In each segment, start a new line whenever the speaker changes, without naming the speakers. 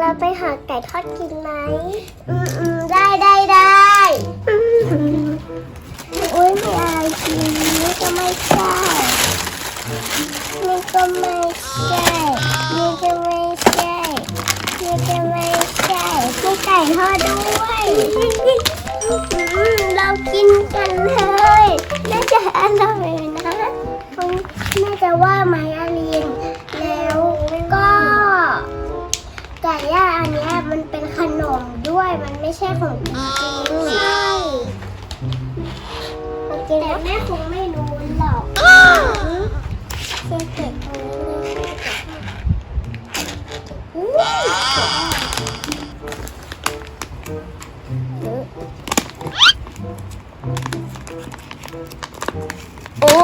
เราไปหาไก่ทอดกินไหมได้อุ้ยมีอะไรกินนี่ก็ไม่ใช่นี่ก็ไม่ใช่นี่ก็ไม่ใช่นี่ก็ไม่ใช่มีไก่ทอดด้วยเรากินกันเลยน่าจะอร่อยนะน่าจะว่าไหมอาลีนแล้วก็ไก่ย่างอันเนี้ยมันเป็นขนมด้วยมันไม่ใช่ของจริงใช่แต่แม่คงไม่รู้หรอกเก็บตรงนี้โอ้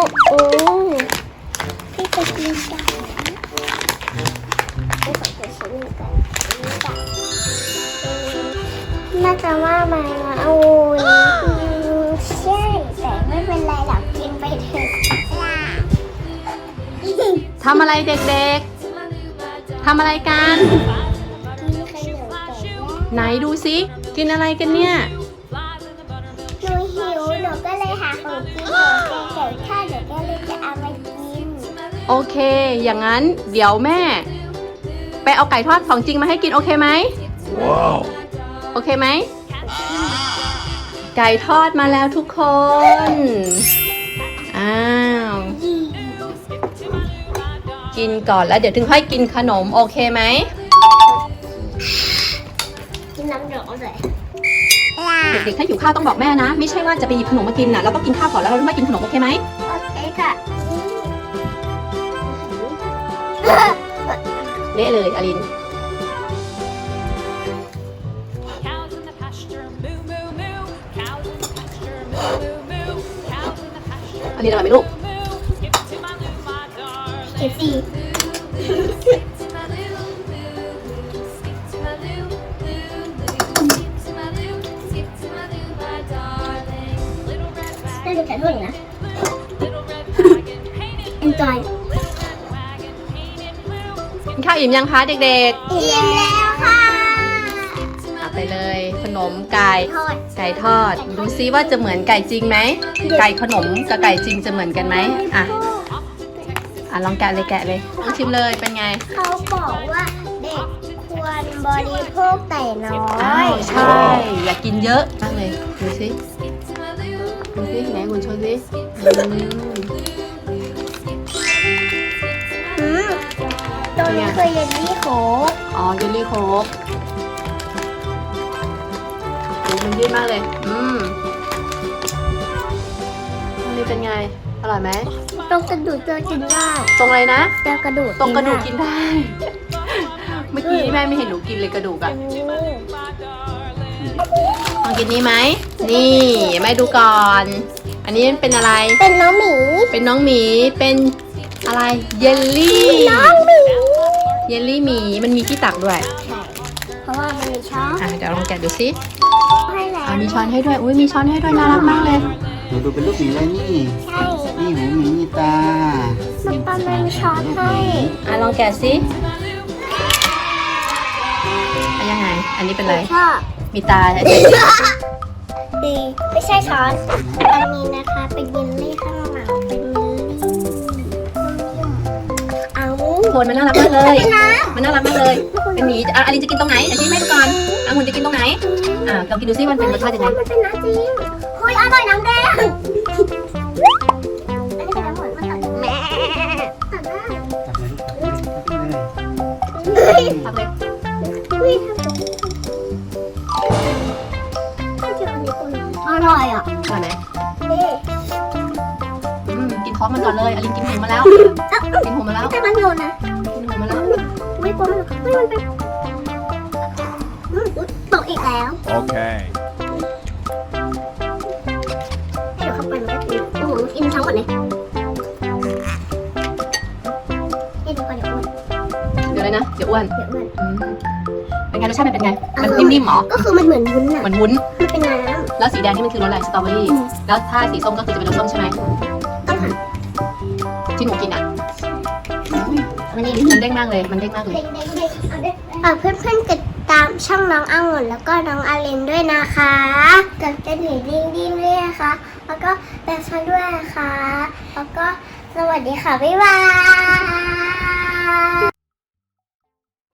พี่จะกินไก่ไม่ขอจะชิมไก่น่าจะว่ามาเอาใช่แต่ไม่เป็นไรหรอกกินไปเถอะ
ทำอะไรเด็กๆทำอะไรกัน
กินขนมไก่ย่าง
ไหนดูสิกินอะไรกันเนี่ย
หนูหิวหนูก็เลยหาของกินของไก่ทอดหนูก็เลยจะเอามากิน
โอเค อย่างนั้นเดี๋ยวแม่ ไปเอาไก่ทอดของจริงมาให้กินโอเคไหม โอเคไหม ไก่ทอดมาแล้วทุกคน อ้าว กินก่อนแล้วเดี๋ยวถึงค่อยกินขนมโอเคไหม
กินน้ำเดือดเลย
เด็กๆถ้าหิวข้าวต้องบอกแม่นะ ไม่ใช่ว่าจะไปหยิบขนมมากินนะเราต้องกินข้าวก่อนแล้วเราถึงค่อยกินขนมโอเคไหม
โอเคค่ะ
เละเลยอลิน
Cows in the pasture, moo moo moo. Cows in the pasture, moo moo moo. Cows in the pasture,
อลินอร่อยไหมลูก
moo. Skip to my loo, my darling.
เก็บสี่
Skip to my loo, loo. Skip to my loo, loo, loo. Skip to my loo, skip to my loo, my darling. Little red
น่า
wagon,
จะแข็งด้วยนะ
little red wagon, painted blue.
Enjoy
Little red wagon, painted blue.
กินข้าวอิ่มยังคะเด็ก
อิ่มแล้วค่ะ
ๆเอาไปเลยขนมไก่
ทอด
ไก่ทอด ดูซิว่าจะเหมือนไก่จริงไหม ไก่ขนมกับไก่จริงจะเหมือนกันไหมอ่ะลองแกะเลยลองชิมเลยเป็นไง
เขาบอกว่าเด็กควรบริโภคแต่น้อ
อ้าวย ใช่ อย่ากินเยอะมากเลย ดูซิ ดูซิไหนคุณโชว์ซิ
ตัวนี้คือเยลลี่โค้ก
อ๋อเยลลี่โค้กดูมันยืดมากเลยอันนี้เป็นไง อร่อยไหม
ตรงกระดูกเจอกินได้
ตรงอะไรนะ
เจอกระดูก
ตรงกระดูกกินได้ เมื่อกี้แม่ไม่เห็นหนูกินเลยกระดูกอะลองกินนี้ไหม นี่แม่ดูก่อน อันนี้เป็นอะไร
เป็นน้องหมี
เป็นน้องหมี เป็นอะไร เยลลี่
น้องหมี
เยลลี่หมี มันมีที่ตักด้วย
ใช่เพราะว่ามันมีช้อน
เดี๋ยวลองแกะดูสิ
ให้แล้ว
มีช้อนให้ด้วย อุ้ยมีช้อนให้ด้วยน่ารักมากเลย
หนูดูเป็นลูกหมีเลยนี่
ใช่
นี่หูหมีมีตา
มันตอนมันมีช้อนให้
ลองแกะสิยังไง อันนี้เป็นอะไร
ชอบ
มีตา
ดีไม่ใช่ช้อน อันนี้นะคะเป็นเยลลี่ข้างหลังเป็นเยลลี่เอา
โคนมันน่ารักมากเลย
เป็นน้
มันน่ารักมากเลย เป็นหมีอลินจะกินตรงไหนเดี๋ยวชี้แม่ดูก่อนองุ่นจะกินตรงไหนลองกินดูซิมันเป็นรสชาติยังไง
มันเป็นน้ำจริงเฮ้ยอร่อยน้ำแดงอันนี้เป็นน้ำหวานมาตัดแม่ตัดได้
จับเลยจับเลย
ทำเลย
เฮ้ยทำตรงนี้อันนี้คนอร่อยอ่ะ
อร่อยไหม
นี่
กินท้องมันก่อนเลย อลินกินหูมาแล้ว กินหูมาแล้ว
แต่มันโยนนะ
กินหูมาแล้ว
ไม่กลัวมันเฮ้ยมันเป็นตกอีกแล้ว
Okay.
ให้เดี๋ยวเข้าไปมันก็กินโอ้โหกินทั้งหมดเลยให้ดูก่อนเดี๋ยวอ้วน
เดี๋ยวเลยนะ เดี๋ยวอ้วน
เดี๋ยวอ้วน
เป็นไงรสชาติมันเป็นไง มันนิ่มๆหรอ
ก็คือมันเหมือนวุ้นอ่ะ
เหมือนวุ้น
มันเป็นน้
แล้วสีแดงนี่มันคือรสอะไร สตรอเบอรี่ แล้วถ้าสีส้มก็คือจะเป็นรสส้มใช่ไหม
ำต้องหั่น
ที่หนูกินอ่ะ
มันนี่
มันเด้งมากเลย มันเด้งมากเลย
เด้งๆๆเอาเด้งเพื่อนๆกดตามช่องน้ององุ่นแล้วก็น้องอารินด้วยนะคะกดกระดิ่งดิ้งๆด้วยนะคะแล้วก็แบกฟันด้วยนะคะแล้วก็สวัสดีค่ะบ๊ายบาย